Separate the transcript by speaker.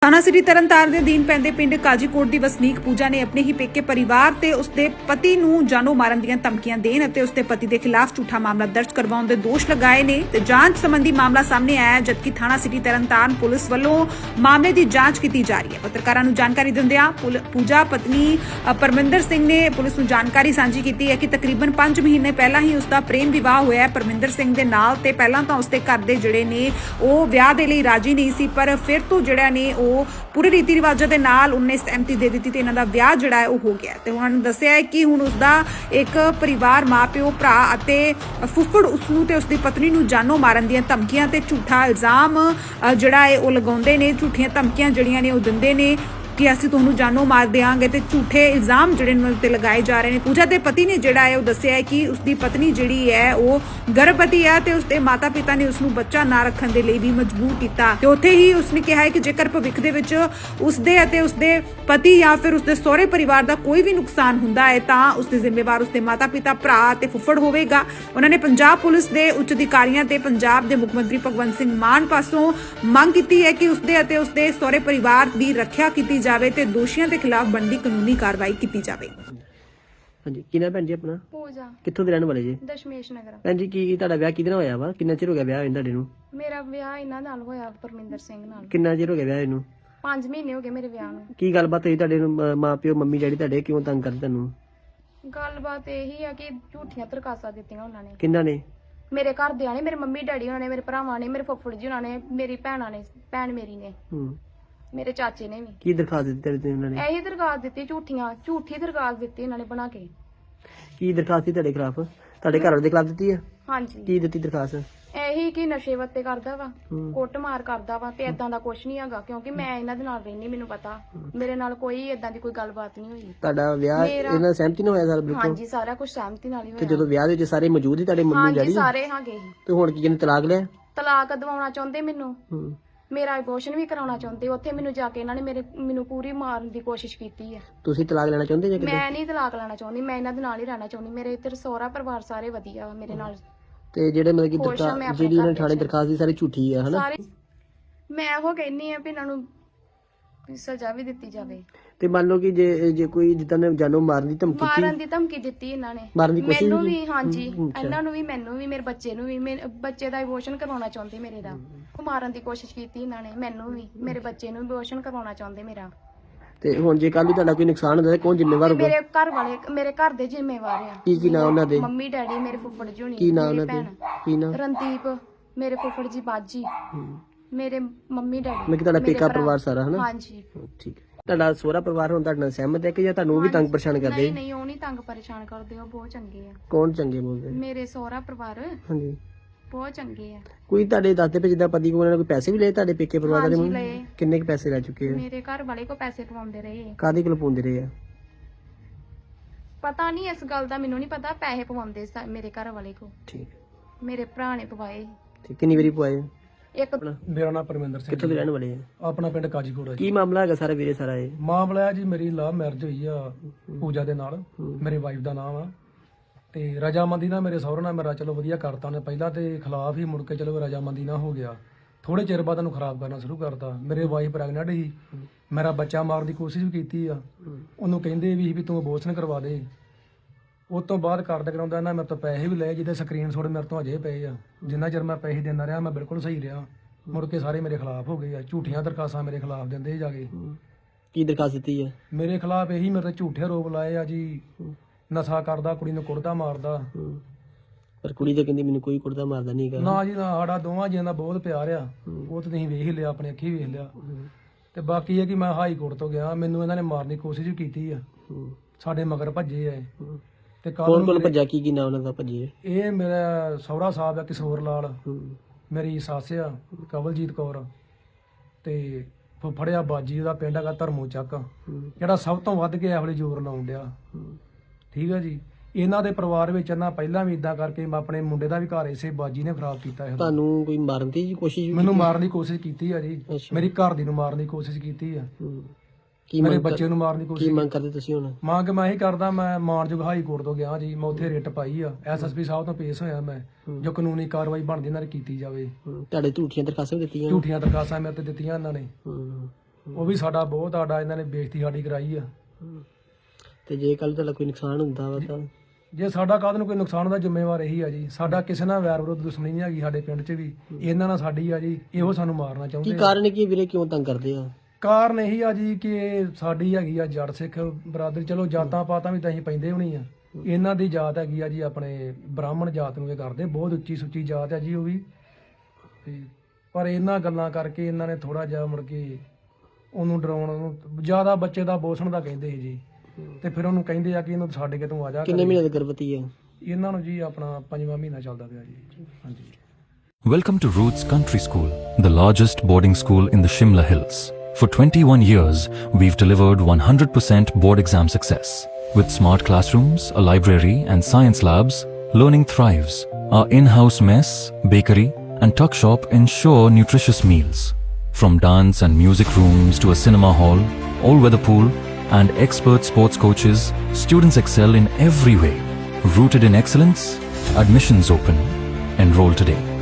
Speaker 1: थाना सिटी तरनताਰਨ ਦੇ ਅਧੀਨ ਪੈਂਦੇ ਪਿੰਡ ਕਾਜੀਕੋਟ ਦੀ ਵਸਨੀਕ ਪੂਜਾ ਨੇ ਆਪਣੇ ਹੀ ਪੇਕੇ ਪਰਿਵਾਰ ਤੇ ਉਸਦੇ ਪਤੀ ਨੂੰ ਜਾਨੋਂ ਮਾਰਨ ਦੀਆਂ ਧਮਕੀਆਂ ਦੇਣ ਅਤੇ ਉਸਦੇ ਪਤੀ ਦੇ ਖਿਲਾਫ ਝੂਠਾ ਮਾਮਲਾ ਦਰਜ ਕਰਵਾਉਣ ਦੇ ਦੋਸ਼ ਲਗਾਏ ਨੇ ਤੇ ਜਾਂਚ ਸੰਬੰਧੀ ਮਾਮਲਾ ਸਾਹਮਣੇ ਆਇਆ ਜਦਕਿ ਥਾਣਾ ਸਿਟੀ ਤਰਨਤਾਰਨ ਪੁਲਿਸ ਵੱਲੋਂ ਮਾਮਲੇ ਦੀ ਜਾਂਚ ਕੀਤੀ ਜਾ ਰਹੀ ਹੈ। ਪੱਤਰਕਾਰਾਂ ਨੂੰ ਜਾਣਕਾਰੀ ਦਿੰਦਿਆਂ ਪੂਜਾ ਪਤਨੀ ਪਰਮਿੰਦਰ ਸਿੰਘ ਨੇ ਪੁਲਿਸ ਨੂੰ ਜਾਣਕਾਰੀ ਸਾਂਝੀ ਕੀਤੀ ਹੈ ਕਿ ਤਕਰੀਬਨ 5 ਮਹੀਨੇ ਪਹਿਲਾਂ ਹੀ ਉਸਦਾ ਪ੍ਰੇਮ ਵਿਵਾਹ ਹੋਇਆ ਹੈ ਪਰਮਿੰਦਰ ਸਿੰਘ ਦੇ ਨਾਲ ਤੇ ਪਹਿਲਾਂ ਤਾਂ ਉਸਦੇ ਘਰ ਦੇ ਜਿਹੜੇ ਨੇ ਉਹ ਵਿਆਹ ਦੇ ਲਈ ਰਾਜੀ ਨਹੀਂ ਸੀ ਪਰ ਫਿਰ ਤੋਂ ਜਿਹੜਾ ਨੇ ਉਹ ਪੂਰੇ ਰੀਤੀ ਰਿਵਾਜਾਂ ਦੇ ਨਾਲ ਉਹਨੇ ਸਹਿਮਤੀ ਦੇ ਦਿੱਤੀ ਤੇ ਇਹਨਾਂ ਦਾ ਵਿਆਹ ਜਿਹੜਾ ਹੈ ਉਹ ਹੋ ਗਿਆ ਤੇ ਉਹਨਾਂ ਨੇ ਦੱਸਿਆ ਹੈ ਕਿ ਹੁਣ ਉਸਦਾ ਇੱਕ ਪਰਿਵਾਰ ਮਾਪਿਓ ਭਰਾ ਅਤੇ ਫੁੱਫੜ ਉਸਨੂੰ ਤੇ ਉਸਦੀ ਪਤਨੀ ਨੂੰ ਜਾਨੋਂ ਮਾਰਨ ਦੀਆਂ ਧਮਕੀਆਂ ਤੇ ਝੂਠਾ ਇਲਜ਼ਾਮ ਜਿਹੜਾ ਹੈ ਉਹ ਲਗਾਉਂਦੇ ਨੇ। ਝੂਠੀਆਂ ਧਮਕੀਆਂ ਜਿਹੜੀਆਂ ਨੇ ਉਹ ਦਿੰਦੇ ਨੇ ਕਿ ਅਸੀਂ ਤੁਹਾਨੂੰ ਜਾਨੋਂ ਮਾਰ ਦੇਵਾਂਗੇ ਤੇ ਝੂਠੇ ਇਲਜ਼ਾਮ ਜਿਹੜੇ ਨੇ ਉੱਤੇ ਲਗਾਏ ਜਾ ਰਹੇ ਨੇ। ਪੂਜਾ ਦੇ ਪਤੀ ਨੇ ਜਿਹੜਾ ਹੈ ਉਹ ਦੱਸਿਆ ਹੈ ਕਿ ਉਸਦੀ ਪਤਨੀ ਜਿਹੜੀ ਹੈ ਉਹ ਗਰਭਵਤੀ ਹੈ ਤੇ ਉਸਦੇ ਮਾਤਾ-ਪਿਤਾ ਨੇ ਉਸਨੂੰ ਬੱਚਾ ਨਾ ਰੱਖਣ ਦੇ ਲਈ ਵੀ ਮਜਬੂਰ ਕੀਤਾ ਤੇ ਉੱਥੇ ਹੀ ਉਸਨੇ ਕਿਹਾ ਹੈ ਕਿ ਜੇਕਰ ਭਵਿੱਖ ਦੇ ਵਿੱਚ ਉਸਦੇ ਅਤੇ ਉਸਦੇ ਪਤੀ ਜਾਂ ਫਿਰ ਉਸਦੇ ਸਹੁਰੇ ਪਰਿਵਾਰ ਦਾ ਕੋਈ ਵੀ ਨੁਕਸਾਨ ਹੁੰਦਾ ਹੈ ਤਾਂ ਉਸਦੇ ਜ਼ਿੰਮੇਵਾਰ ਉਸਦੇ ਮਾਤਾ-ਪਿਤਾ ਭਰਾ ਤੇ ਫੁੱਫੜ ਹੋਵੇਗਾ। ਉਹਨਾਂ ਨੇ ਪੰਜਾਬ ਪੁਲਿਸ ਦੇ ਉੱਚ ਅਧਿਕਾਰੀਆਂ ਤੇ ਪੰਜਾਬ ਦੇ ਮੁੱਖ ਮੰਤਰੀ ਭਗਵੰਤ ਸਿੰਘ ਮਾਨ ਪਾਸੋਂ ਮੰਗ ਕੀਤੀ ਹੈ ਕਿ ਉਸਦੇ ਅਤੇ ਉਸਦੇ ਸਹੁਰੇ ਪਰਿਵਾਰ ਦੀ ਰੱਖਿਆ ਕੀਤੀ ਜਾਵੇ ਤੇ ਦੋਸ਼ੀਆਂ ਦੇ ਖਿਲਾਫ ਬਣਦੀ ਕਾਨੂੰਨੀ ਕਾਰਵਾਈ ਕੀਤੀ ਜਾਵੇ।
Speaker 2: ਹਾਂਜੀ ਕੀ ਨਾਮ ਭੈਣ ਜੀ ਆਪਣਾ?
Speaker 3: ਪੂਜਾ
Speaker 2: ਕਿੱਥੋਂ ਦੇ ਰਹਿਣ ਵਾਲੇ ਜੀ?
Speaker 3: ਦਸ਼ਮੇਸ਼ ਨਗਰ।
Speaker 2: ਭੈਣ ਜੀ ਕੀ ਤੁਹਾਡਾ ਵਿਆਹ ਕਿਹਦੇ ਨਾਲ ਹੋਇਆ ਵਾ? ਕਿੰਨਾ ਚਿਰ ਹੋ ਗਿਆ ਵਿਆਹ ਹੋਏ ਤੁਹਾਡੇ ਨੂੰ?
Speaker 3: ਮੇਰਾ ਵਿਆਹ ਇਹਨਾਂ ਨਾਲ ਹੋਇਆ ਪਰਮਿੰਦਰ ਸਿੰਘ ਨਾਲ।
Speaker 2: ਕਿੰਨਾ ਚਿਰ ਹੋ ਗਿਆ ਵਿਆਹ ਇਹਨੂੰ?
Speaker 3: 5 ਮਹੀਨੇ ਹੋ ਗਏ ਮੇਰੇ ਵਿਆਹ ਨੂੰ।
Speaker 2: ਕੀ ਗੱਲਬਾਤ ਹੋਈ ਤੁਹਾਡੇ ਨੂੰ? ਮਾਂ ਪਿਓ ਮੰਮੀ ਡੈਡੀ ਤੁਹਾਡੇ ਕਿਉਂ ਤੰਗ ਕਰਦੇ ਤੁਹਾਨੂੰ?
Speaker 3: ਗੱਲਬਾਤ ਇਹੀ ਆ ਕਿ ਝੂਠੀਆਂ ਦਰਖਾਸਤਾਂ ਦਿੱਤੀਆਂ ਉਹਨਾਂ ਨੇ।
Speaker 2: ਕਿੰਨਾ ਨੇ?
Speaker 3: ਮੇਰੇ ਘਰਦਿਆਂ ਨੇ, ਮੇਰੇ ਮੰਮੀ ਡੈਡੀ ਉਹਨਾਂ ਨੇ, ਮੇਰੇ ਭਰਾਵਾਂ ਨੇ, ਮੇਰੇ ਫੁੱਫੜ ਜੀ ਉਹਨਾਂ ਨੇ, ਮੇਰੀ ਭੈਣਾਂ ਨੇ, ਭੈਣ ਮੇਰੀ ਨੇ, ਮੇਰੇ ਚਾਚੇ ਨੇ ਵੀ।
Speaker 2: ਕੀ ਦਰਖਾਸਤ ਦਿੱਤੀ ਤੁਹਾਡੇ ਉਹਨਾਂ ਨੇ?
Speaker 3: ਇਹੀ ਦਰਖਾਸਤ ਦਿੱਤੀ, ਝੂਠੀ ਦਰਖਾਸਤ ਦਿੱਤੀ ਇਹਨਾਂ ਨੇ ਬਣਾ ਕੇ।
Speaker 2: ਕੀ ਦਰਖਾਸਤ ਸੀ ਤੁਹਾਡੇ ਖਿਲਾਫ? ਤੁਹਾਡੇ ਘਰ ਵਾਲੇ ਦੇ ਖਿਲਾਫ ਦਿੱਤੀ ਆ?
Speaker 3: ਹਾਂਜੀ।
Speaker 2: ਕੀ ਦਿੱਤੀ ਦਰਖਾਸਤ?
Speaker 3: ਇਹੀ ਕਿ ਨਸ਼ੇ ਵੱਤੇ ਕਰਦਾ ਵਾ, ਕੁੱਟਮਾਰ ਕਰਦਾ ਵਾ ਤੇ ਏਦਾਂ ਦਾ ਕੁਝ ਨਹੀਂ ਹੈਗਾ ਕਿਉਂਕਿ ਮੈਂ ਇਹਨਾਂ ਦੇ ਨਾਲ ਰਹਿਣੀ, ਮੈਨੂੰ ਪਤਾ ਮੇਰੇ ਨਾਲ ਕੋਈ ਏਦਾਂ ਦੀ ਕੋਈ ਗੱਲਬਾਤ ਨਹੀਂ ਹੋਈ।
Speaker 2: ਤੁਹਾਡਾ ਵਿਆਹ ਇਹਨਾਂ ਨਾਲ ਸਹਿਮਤੀ ਨਾਲ ਹੋਇਆ ਸਾਰਾ ਬਿਲਕੁਲ?
Speaker 3: ਹਾਂਜੀ ਸਾਰਾ ਕੁਝ ਸਹਿਮਤੀ ਨਾਲ ਹੀ
Speaker 2: ਤੇ
Speaker 3: ਹੋਇਆ।
Speaker 2: ਜਦੋਂ ਵਿਆਹ ਦੇ ਵਿੱਚ ਸਾਰੇ ਮੌਜੂਦ ਸੀ ਤੁਹਾਡੇ ਮੰਮੀ
Speaker 3: ਹਾਂਜੀ
Speaker 2: ਡੈਡੀ?
Speaker 3: ਸਾਰੇ ਹੈਗੇ।
Speaker 2: ਤੇ ਹੁਣ ਕੀ ਕਹਿੰਦੇ ਤਲਾਕ ਲਿਆ?
Speaker 3: ਤਲਾਕ ਦਿਵਾਉਣਾ ਚਾਹੁੰਦੇ ਮੈਨੂੰ, ਮੇਰਾ ਅਬੋਰਸ਼ਨ ਵੀ ਕਰਾਉਣਾ ਚਾਹੁੰਦੇ। ਉੱਥੇ ਮੈਨੂੰ ਜਾ ਕੇ ਇਹਨਾਂ ਨੇ ਮੈਨੂੰ ਪੂਰੀ ਮਾਰਨ ਦੀ ਕੋਸ਼ਿਸ਼ ਕੀਤੀ ਹੈ।
Speaker 2: ਤੁਸੀਂ ਤਲਾਕ ਲੈਣਾ ਚਾਹੁੰਦੇ ਜਾਂ ਕਿੱਦਾਂ?
Speaker 3: ਮੈਂ ਨਹੀਂ ਤਲਾਕ ਲੈਣਾ ਚਾਹੁੰਦੀ, ਮੈਂ ਇਹਨਾਂ ਦੇ ਨਾਲ ਹੀ ਰਹਿਣਾ ਚਾਹੁੰਦੀ। ਮੇਰੇ ਇੱਧਰ ਸਹੁਰਾ ਪਰਿਵਾਰ ਸਾਰੇ ਵਧੀਆ ਵਾ ਮੇਰੇ ਨਾਲ।
Speaker 2: ਤੇ ਜਿਹੜੇ ਮਤਲਬ ਕਿ
Speaker 3: ਖੁਸ਼ ਹਾਂ ਮੈਂ ਆਪਣੇ
Speaker 2: ਜਿਹੜੀ ਉਹਨਾਂ
Speaker 3: ਘਰ
Speaker 2: ਥਾਣੇ
Speaker 3: ਵਿੱਚ।
Speaker 2: ਦਰਖਾਸਤ ਦੀ ਸਾਰੀ ਝੂਠੀ ਆ ਹਨਾ?
Speaker 3: ਸਾਰੇ ਮੈਂ ਉਹ ਕਹਿੰਨੀ ਆ ਵੀ ਇਹਨਾਂ ਨੂੰ ਸਜ਼ਾ ਵੀ ਦਿੱਤੀ ਜਾਵੇ।
Speaker 2: ਤੇ ਮੰਨ ਲਓ ਕਿ ਜੇ ਕੋਈ ਜਿੱਦਾਂ ਨੇ ਜਾਨੋਂ ਮਾਰਨ ਦੀ ਧਮਕੀ
Speaker 3: ਮਾਰਨ ਦੀ ਧਮਕੀ ਦਿੱਤੀ ਇਹਨਾਂ ਨੇ
Speaker 2: ਮਾਰਨ ਦੀ ਕੋਸ਼ਿਸ਼
Speaker 3: ਮੈਨੂੰ
Speaker 2: ਵੀ?
Speaker 3: ਵੀ। ਹਾਂਜੀ
Speaker 2: ਅੱਛਾ।
Speaker 3: ਇਹਨਾਂ ਨੂੰ ਵੀ, ਮੈਨੂੰ ਵੀ, ਮੇਰੇ ਬੱਚੇ ਨੂੰ ਵੀ। ਮੇਰੇ ਬੱਚੇ ਦਾ ਅਬੋਰਸ਼ਨ ਕਰਵਾਉਣਾ ਚਾਹੁੰਦੇ ਮੇਰੇ ਦਾ। ਉਹ ਮਾਰਨ ਦੀ ਕੋਸ਼ਿਸ਼ ਕੀਤੀ ਇਹਨਾਂ ਨੇ, ਮੈਨੂੰ ਵੀ, ਮੇਰੇ ਬੱਚੇ ਨੂੰ ਅਬੋਰਸ਼ਨ ਕਰਵਾਉਣਾ ਚਾਹੁੰਦੇ ਮੇਰਾ।
Speaker 2: ਤੇ ਹੁਣ ਜੇ ਕੱਲ ਨੂੰ ਤੁਹਾਡਾ ਕੋਈ ਨੁਕਸਾਨ ਹੁੰਦਾ ਤਾਂ ਕੌਣ ਜ਼ਿੰਮੇਵਾਰ ਹੋਊਗਾ?
Speaker 3: ਮੇਰੇ ਘਰ ਵਾਲੇ, ਮੇਰੇ ਘਰ ਦੇ ਜ਼ਿੰਮੇਵਾਰ ਆ।
Speaker 2: ਕੀ ਨਾਮ ਉਹਨਾਂ ਦੇ?
Speaker 3: ਮੰਮੀ ਡੈਡੀ, ਮੇਰੇ ਫੁੱਫੜ ਜੀ ਹੋਣੀ,
Speaker 2: ਕੀ ਨਾਮ
Speaker 3: ਮੇਰੀ
Speaker 2: ਉਹਨਾਂ ਦੇ?
Speaker 3: ਭੈਣ
Speaker 2: ਕੀ ਨਾਮ?
Speaker 3: ਰਣਦੀਪ, ਮੇਰੇ ਫੁੱਫੜ ਜੀ ਬਾਜੀ, ਮੇਰੇ ਮੰਮੀ ਡੈਡੀ।
Speaker 2: ਮੈਂ ਕਿ ਤੁਹਾਡਾ
Speaker 3: ਮੇਰੇ
Speaker 2: ਪੇਕਾ
Speaker 3: ਭਰਾ।
Speaker 2: ਪਰਿਵਾਰ ਸਾਰਾ ਹਨਾ?
Speaker 3: ਹਾਂਜੀ।
Speaker 2: ਠੀਕ ਹੈ। ਤੁਹਾਡਾ ਸਹੁਰਾ ਪਰਿਵਾਰ ਹੁਣ ਤੁਹਾਡੇ ਨਾਲ ਸਹਿਮਤ ਹੈ ਕਿ ਜਾਂ ਤੁਹਾਨੂੰ ਉਹ ਵੀ ਤੰਗ ਪਰੇਸ਼ਾਨ ਕਰਦੇ?
Speaker 3: ਨਹੀਂ ਨਹੀਂ, ਉਹ ਨਹੀਂ ਤੰਗ ਪਰੇਸ਼ਾਨ ਕਰਦੇ, ਉਹ ਬਹੁਤ ਚੰਗੇ ਆ।
Speaker 2: ਕੌਣ ਚੰਗੇ ਬੋਲਦੇ?
Speaker 3: ਮੇਰੇ ਸਹੁਰਾ ਪਰਿਵਾਰ
Speaker 2: ਹਾਂਜੀ।
Speaker 3: ਬਹੁਤ ਚੰਗੇ ਆ।
Speaker 2: ਕੋਈ ਤੁਹਾਡੇ ਦਾਦੇ ਪੇ ਜਿੱਦਾਂ ਪਤੀ ਕੋਲ ਕੋਈ ਪੈਸੇ ਵੀ ਲਏ ਤੁਹਾਡੇ ਪੇਕੇ ਪਰਿਵਾਰ
Speaker 3: ਹਾਂਜੀ
Speaker 2: ਦੇ?
Speaker 3: ਲਏ।
Speaker 2: ਕਿੰਨੇ ਕੁ ਪੈਸੇ ਲੈ ਚੁੱਕੇ ਆ?
Speaker 3: ਮੇਰੇ ਘਰ ਵਾਲੇ ਕੋ ਪੈਸੇ ਪਵਾਉਂਦੇ ਰਹੇ।
Speaker 2: ਕਾਦੀ ਕੋਲ ਪਾਉਂਦੇ ਰਹੇ ਆ?
Speaker 3: ਪਤਾ ਨਹੀਂ ਇਸ ਗੱਲ ਦਾ, ਮੈਨੂੰ ਨਹੀਂ ਪਤਾ। ਪੈਸੇ ਪਵਾਉਂਦੇ ਮੇਰੇ ਘਰ ਵਾਲੇ ਕੋ।
Speaker 2: ਠੀਕ।
Speaker 3: ਮੇਰੇ ਭਰਾ ਨੇ ਪਵਾਏ।
Speaker 2: ਠੀਕ। ਕਿੰਨੀ ਵਾਰੀ ਪਵਾਏ?
Speaker 3: ਇੱਕ
Speaker 4: ਮੇਰਾ ਨਾਮ ਪਰਮਿੰਦਰ ਸਿੰਘ।
Speaker 2: ਕਿੱਥੋਂ ਦੇ ਰਹਿਣ ਵਾਲੇ ਆ?
Speaker 4: ਆਪਣਾ ਪਿੰਡ ਕਾਜੀਕੋਟ ਹੈ ਜੀ।
Speaker 2: ਕੀ ਮਾਮਲਾ ਹੈਗਾ ਸਾਰਾ ਵੀਰੇ ਸਾਰਾ ਇਹ?
Speaker 4: ਮਾਮਲਾ ਹੈ ਜੀ, ਮੇਰੀ ਲਵ ਮੈਰਿਜ ਹੋਈ ਆ ਪੂਜਾ ਦੇ ਨਾਲ। ਮੇਰੇ ਵਾਈਫ ਦਾ ਨਾਮ ਆ ਤੇ ਰਜਾਮੰਦੀ ਨਾਲ ਮੇਰੇ ਸਹੁਰੇ ਨਾਲ ਮੇਰਾ ਚਲੋ ਵਧੀਆ ਕਰਤਾ ਨੇ। ਪਹਿਲਾਂ ਤੇ ਖਿਲਾਫ ਹੀ, ਮੁੜ ਕੇ ਚਲੋ ਰਜਾਮੰਦੀ ਨਾਲ ਹੋ ਗਿਆ। ਥੋੜੇ ਚਿਰ ਬਾਅਦ ਉਹਨੂੰ ਖਰਾਬ ਕਰਨਾ ਸ਼ੁਰੂ ਕਰਤਾ। ਮੇਰੇ ਵਾਈਫ ਪ੍ਰੈਗਨੈਂਟ ਸੀ, ਮੇਰਾ ਬੱਚਾ ਮਾਰਨ ਦੀ ਕੋਸ਼ਿਸ਼ ਵੀ ਕੀਤੀ ਆ। ਉਹਨੂੰ ਕਹਿੰਦੇ ਵੀ ਤੂੰ ਅਬੋਰਸ਼ਨ ਕਰਵਾ ਦੇ। ਉਸ ਤੋਂ ਬਾਅਦ ਕਾਰਡ ਕਰਾਉਂਦਾ ਨਾ, ਮੇਰੇ ਤੋਂ ਪੈਸੇ ਵੀ ਲਏ ਜਿਹਦੇ ਸਕਰੀਨਸ਼ਾਟ ਮੇਰੇ ਤੋਂ ਅਜੇ ਪਏ ਆ। ਜਿੰਨਾ ਚਿਰ ਮੈਂ ਪੈਸੇ ਦਿੰਦਾ ਰਿਹਾ ਮੈਂ ਬਿਲਕੁਲ ਸਹੀ ਰਿਹਾ। ਮੁੜ ਕੇ ਸਾਰੇ ਮੇਰੇ ਖਿਲਾਫ ਹੋ ਗਏ ਆ। ਝੂਠੀਆਂ ਦਰਖਾਸਤਾਂ ਮੇਰੇ ਖਿਲਾਫ ਦਿੰਦੇ ਜਾ ਕੇ।
Speaker 2: ਕੀ ਦਰਖਾਸਤ ਦਿੱਤੀ ਹੈ?
Speaker 4: ਮੇਰੇ ਖਿਲਾਫ ਇਹੀ ਮੇਰੇ ਤੇ ਝੂਠੇ ਆਰੋਪ ਲਾਏ ਆ ਜੀ। ਨਸ਼ਾ ਕਰਦਾ, ਕੁੜੀ ਨੂੰ ਕੁੱਟਦਾ ਮਾਰਦਾ।
Speaker 2: ਪਰ ਕੁੜੀ ਤਾਂ ਕਹਿੰਦੀ ਮੈਨੂੰ ਕੋਈ ਕੁੜਦਾ ਮਾਰਦਾ ਨਹੀਂ ਹੈਗਾ।
Speaker 4: ਨਾ ਜੀ ਨਾ, ਸਾਡਾ ਦੋਵਾਂ ਜੀਆਂ ਦਾ ਬਹੁਤ ਪਿਆਰ ਆ। ਉਹ ਤਾਂ ਤੁਸੀਂ ਵੇਖ ਹੀ ਲਿਆ, ਆਪਣੀ ਅੱਖੀ ਵੇਖ ਲਿਆ। ਤੇ ਬਾਕੀ ਇਹ ਕਿ ਮੈਂ ਹਾਈ ਕੋਰਟ ਤੋਂ ਗਿਆ, ਮੈਨੂੰ ਇਹਨਾਂ ਨੇ ਮਾਰਨ ਦੀ ਕੋਸ਼ਿਸ਼ ਵੀ ਕੀਤੀ ਆ। ਸਾਡੇ ਮਗਰ ਭੱਜੇ ਆ ਤੇ
Speaker 2: ਕੌਣ ਕੋਲ ਭੱਜਾ? ਕੀ ਨਾਮ ਉਹਨਾਂ ਦਾ ਭੱਜੇ?
Speaker 4: ਇਹ ਮੇਰਾ ਸਹੁਰਾ ਸਾਹਿਬ ਆ ਕਿਸ਼ੋਰ ਲਾਲ, ਮੇਰੀ ਸੱਸ ਆ ਕਵਲਜੀਤ ਕੌਰ ਤੇ ਫੁੱਫੜਿਆ ਬਾਜੀ, ਉਹਦਾ ਪਿੰਡ ਹੈਗਾ ਧਰਮੋ ਚੱਕ, ਜਿਹੜਾ ਸਭ ਤੋਂ ਵੱਧ ਕੇ ਇਹੋ ਜਿਹੇ ਜ਼ੋਰ ਲਾਉਣ ਡਿਆ। ਠੀਕ ਆ ਜੀ। ਇਹਨਾਂ ਦੇ ਪਰਿਵਾਰ ਵਿੱਚ ਇਹਨਾਂ ਪਹਿਲਾਂ ਵੀ ਇਦਾਂ ਕਰਕੇ ਮੈਂ ਆਪਣੇ ਮੁੰਡੇ ਦਾ ਵੀ ਘਰ ਇਸੇ ਬਾਜੀ ਨੇ ਖਰਾਬ ਕੀਤਾ ਹੈ।
Speaker 2: ਤੁਹਾਨੂੰ ਕੋਈ ਮਾਰਨ ਦੀ ਕੋਸ਼ਿਸ਼ ਵੀ?
Speaker 4: ਮੈਨੂੰ ਮਾਰਨ ਦੀ ਕੋਸ਼ਿਸ਼ ਕੀਤੀ ਆ ਜੀ। ਮੇਰੀ ਘਰ ਦੀ ਨੂੰ ਮਾਰਨ ਦੀ ਕੋਸ਼ਿਸ਼ ਕੀਤੀ ਆ। ਮੇਰੇ ਬੱਚੇ ਨੂੰ ਮਾਰਨ ਦੀ ਕੋਸ਼ਿਸ਼।
Speaker 2: ਕੀ ਮੰਗ ਕਰਦੇ ਤੁਸੀਂ ਹੁਣ?
Speaker 4: ਮੰਗ ਮੈਂ ਇਹੀ ਕਰਦਾ, ਮੈਂ ਮਾਨਯੋਗ ਹਾਈ ਕੋਰਟ ਤੋਂ ਗਿਆ ਜੀ। ਮੈਂ ਉੱਥੇ ਰਿਟ ਪਾਈ ਆ, ਐਸਐਸਪੀ ਸਾਹਿਬ ਤੋਂ ਪੇਸ਼ ਹੋਇਆ ਮੈਂ, ਜੋ ਕਾਨੂੰਨੀ ਕਾਰਵਾਈ ਬਣਦੀ ਇਹਨਾਂ ਨੇ ਕੀਤੀ ਜਾਵੇ।
Speaker 2: ਤੁਹਾਡੇ ਝੂਠੀਆਂ ਦਰਖਾਸਤਾਂ ਵੀ ਦਿੱਤੀਆਂ?
Speaker 4: ਝੂਠੀਆਂ ਦਰਖਾਸਤਾਂ ਮੇਰੇ ਤੇ ਦਿੱਤੀਆਂ ਇਹਨਾਂ ਨੇ। ਉਹ ਵੀ ਸਾਡਾ ਬਹੁਤ ਸਾਡਾ ਇਹਨਾਂ ਨੇ ਬੇਇੱਜ਼ਤੀ ਸਾਡੀ ਕਰਾਈ ਆ।
Speaker 2: ਤੇ ਜੇ ਕੱਲ ਤੁਹਾਡਾ ਕੋਈ ਨੁਕਸਾਨ ਹੁੰਦਾ ਵਾ ਤਾਂ
Speaker 4: ਜੇ ਸਾਡਾ ਕਾਹਦੇ ਨੂੰ ਕੋਈ ਨੁਕਸਾਨ ਦਾ ਜ਼ਿੰਮੇਵਾਰ ਇਹੀ ਆ ਜੀ। ਸਾਡਾ ਕਿਸੇ ਨਾਲ ਵੈਰ ਵਿਰੋਧ ਦੁਸ਼ਮਣੀ ਨਹੀਂ ਹੈਗੀ ਸਾਡੇ ਪਿੰਡ 'ਚ ਵੀ, ਇਹਨਾਂ ਨਾਲ ਸਾਡੀ ਆ ਜੀ। ਇਹੋ ਸਾਨੂੰ ਮਾਰਨਾ
Speaker 2: ਕੀ
Speaker 4: ਚਾਹੁੰਦੇ ਆ।
Speaker 2: ਕਾਰਨ ਕੀ ਵੀਰੇ, ਕਿਉਂ ਤੰਗ ਕਰਦੇ ਆ?
Speaker 4: ਕਾਰਨ ਇਹੀ ਆ ਜੀ ਕਿ ਸਾਡੀ ਹੈਗੀ ਆ ਜੱਟ ਸਿੱਖ ਬਰਾਦਰੀ, ਚਲੋ ਜਾਤਾਂ ਪਾਤਾਂ ਵੀ ਤਾਂ ਅਸੀਂ ਪੈਂਦੇ ਹੋਣੀ ਆ। ਇਹਨਾਂ ਦੀ ਜਾਤ ਹੈਗੀ ਆ ਜੀ ਆਪਣੇ ਬ੍ਰਾਹਮਣ ਜਾਤ ਨੂੰ ਇਹ ਕਰਦੇ, ਬਹੁਤ ਉੱਚੀ ਸੁੱਚੀ ਜਾਤ ਆ ਜੀ ਉਹ ਵੀ। ਤੇ ਪਰ ਇਹਨਾਂ ਗੱਲਾਂ ਕਰਕੇ ਇਹਨਾਂ ਨੇ ਥੋੜਾ ਜਿਹਾ ਮੁੜ ਕੇ ਉਹਨੂੰ ਡਰਾਉਣ ਨੂੰ ਜ਼ਿਆਦਾ ਬੱਚੇ ਦਾ ਬੋਸਣ ਦਾ ਕਹਿੰਦੇ ਸੀ ਜੀ। ਤੇ ਫਿਰ ਉਹਨੂੰ ਕਹਿੰਦੇ ਆ ਕਿ ਇਹਨੂੰ ਛੱਡ ਕੇ ਤੂੰ ਆ ਜਾ।
Speaker 2: ਕਿੰਨੇ ਮਹੀਨੇ ਦੀ ਗਰਭਵਤੀ ਹੈ?
Speaker 4: ਇਹਨਾਂ ਨੂੰ ਜੀ ਆਪਣਾ 5ਵਾਂ ਮਹੀਨਾ ਚੱਲਦਾ ਪਿਆ ਜੀ। ਹਾਂਜੀ।
Speaker 5: Welcome to Roots Country School, the largest boarding school in the Shimla Hills. For 21 years, we've delivered 100% board exam success. With smart classrooms, a library and science labs, learning thrives. Our in-house mess, bakery and tuck shop ensure nutritious meals. From dance and music rooms to a cinema hall, all-weather pool and expert sports coaches, students excel in every way. Rooted in excellence, admissions open. Enroll today.